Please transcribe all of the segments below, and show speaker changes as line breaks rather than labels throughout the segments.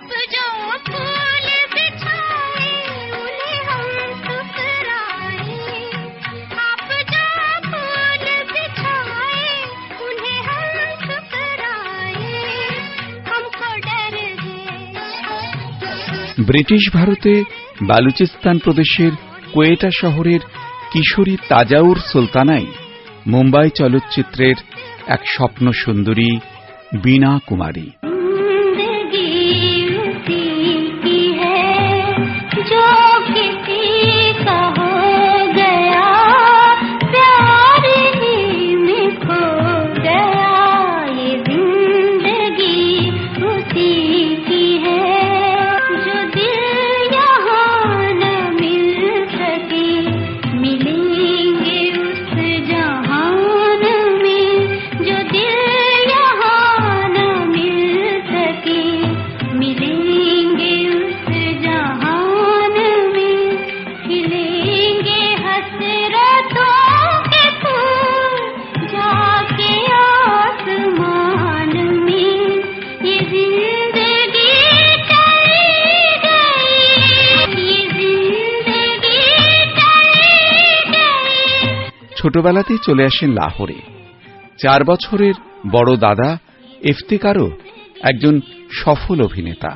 British ভারতে বালুচিস্তান প্রদেশের কোয়েটা শহরের কিশোরী তাজাউর সুলতানাই মুম্বাই চলচ্চিত্রের এক স্বপ্ন সুন্দরী বীণা কুমারী। ছোটবেলাতেই চলে আসেন লাহোরে। 4 বছরের বড় দাদা ইফতিকারও একজন সফল অভিনেতা।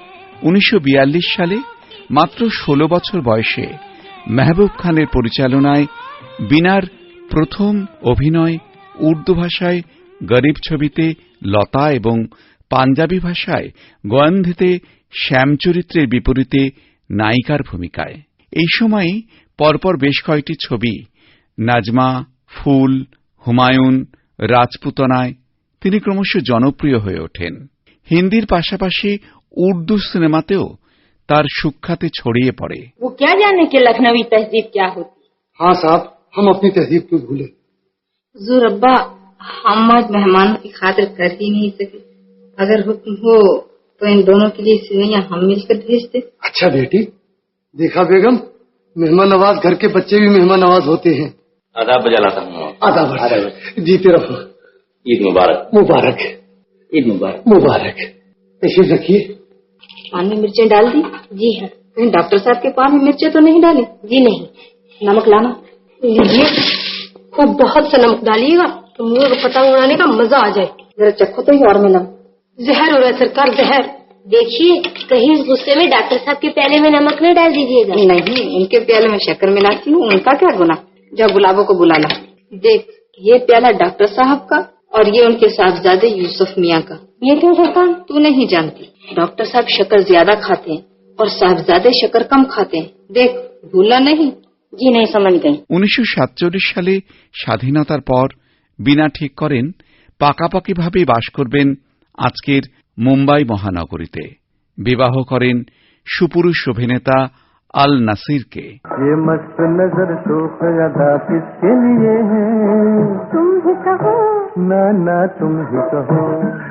1942 সালে মাত্র 16 বছর বয়সে মেহবুব খানের পরিচালনায় বীণার প্রথম অভিনয় উর্দু ভাষায় গরিব ছবিতে লতা এবং পাঞ্জাবি ভাষায় গোয়ান্ধিতে শ্যাম চরিত্রের বিপরীতে নায়িকার ভূমিকায়। এই সময়েই পরপর বেশ কয়েকটি ছবি নাজমা, ফুল, হুমায়ুন, রাজপুতনায় তিনি ক্রমশ জনপ্রিয় হয়ে ওঠেন। হিন্দির পাশাপাশি উর্দু সিনেমাতেও তার সুখ্যাতি ছড়িয়ে পড়ে।
वो क्या जाने कि लखनवी तहजीब क्या होती।
हाँ साहब, हम अपनी तहजीब क्यों भूले।
हुजूर अब्बा, हम आज मेहमानों की खातिर कर ही नहीं सके। अगर हुक्म हो तो इन दोनों के लिए सिवैयां हम मिलकर भेज दे।
अच्छा बेटी, देखा बेगम, मेहमान नवाज घर के बच्चे भी मेहमान नवाज होते हैं।
आदाब बजा लाता हूँ।
आदाब जीते रहो।
ईद मुबारक।
मुबारक।
ईद मुबारक।
मुबारक। तशरीफ रखिए।
पान में मिर्चें डाल दी? जी हाँ। कहीं डॉक्टर साहब के पान में मिर्चें तो नहीं डाली? जी नहीं। नमक लाना। लीजिए, खूब बहुत सा नमक डालिएगा तो मुंह को पतंग उड़ाने का मजा आ जाए। जरा चखो तो ही और मिला। जहर हो रहा है सरकार, जहर। देखिए, कहीं इस गुस्से में डॉक्टर साहब के प्याले में नमक न डाल दीजिएगा। नहीं, उनके प्याले में शक्कर मिलाती हूँ, उनका क्या गुना। जा गुलाबों को बुला ला। देख, ये प्याला डॉक्टर साहब का और ये उनके साहबजादे यूसुफ मियाँ का। ये क्यों सरकार? तू नहीं जानती, डॉक्टर साहब शक्कर ज्यादा खाते हैं और साहबजादे शक्कर कम खाते हैं। देख, भूला नहीं? जी नहीं, समझ गई।
1947 সালে স্বাধীনতার পর বীণা ঠিক করেন পাকাপাকিভাবে বাস করবেন আজকের মুম্বাই মহানগরীতে। বিবাহ করেন সুপুরুষ অভিনেতা আল নাসিরকে।
ये मस्त नजर शोक अदा किसके लिए है, तुम ही कहो ना ना तुम ही कहो,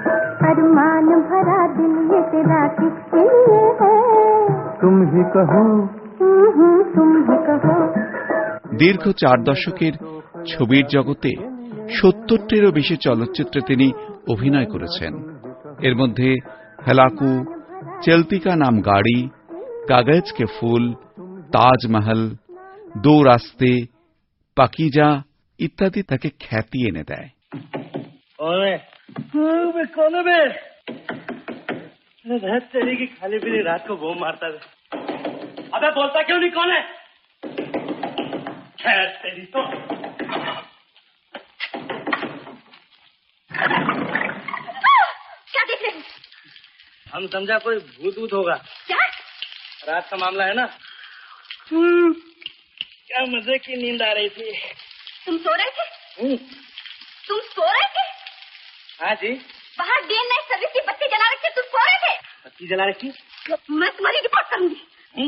अरमान भरा दिल ये तेरा किसके लिए है, तुम ही कहो तुम ही कहो।
দীর্ঘ 4 দশকের ছবির জগতে 70টিরও বেশি চলচ্চিত্রে তিনি অভিনয় করেছেন। এর মধ্যে হেলাকু, চলতি কা নাম গাড়ি, কাগজ কে ফুল, তাজমহল, দো রাস্তে, পাকিজা ইত্যাদি তাকে খ্যাতি এনে দেয়।
खाली पीली रात को बम मारता है। अबे बोलता क्यों नहीं, कौन है? खैर तेरी तो।
क्या देख रहे हो?
हम समझा कोई भूत वूत होगा।
क्या?
रात का मामला है ना। क्या मजे की नींद आ रही थी।
तुम सो रहे थे? तुम सो रहे थे?
हाँ जी।
बाहर डे नाइट सर्विस की बत्ती जला रखी, तुम सो रहे थे?
बत्ती जला रखी?
मैं तुम्हारी रिपोर्ट करूंगी।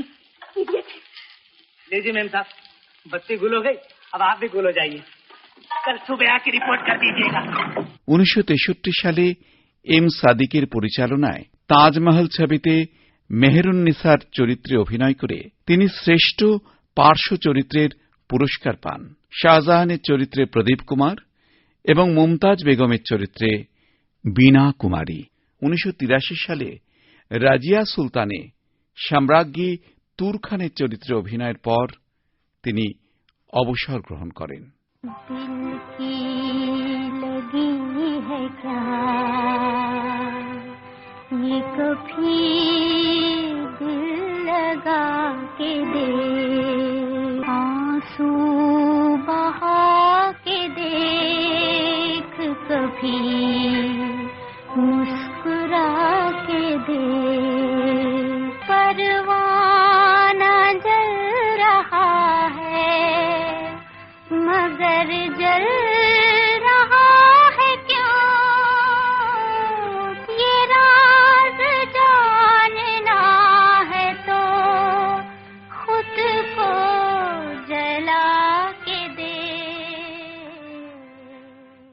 लीजिए मैम साहब, बत्ती गुल हो गई, अब आप भी गुल हो जाइए। कल सुबह आके रिपोर्ट कर दीजिएगा।
1963 সালে এম সাদিকের পরিচালনায় তাজমহল ছবিতে মেহেরুন্নিসার চরিত্রে অভিনয় করে তিনি শ্রেষ্ঠ পার্শ্ব চরিত্রের পুরস্কার পান। শাহজাহানের চরিত্রে প্রদীপ কুমার এবং মুমতাজ বেগমের চরিত্রে বীণা কুমারী। 1983 সালে রাজিয়া সুলতানে সম্রাজ্ঞী তুরখানের চরিত্রে অভিনয়ের পর তিনি অবসর গ্রহণ করেন।
ये कभी दिल लगा के दे, आंसू बहा के देख कभी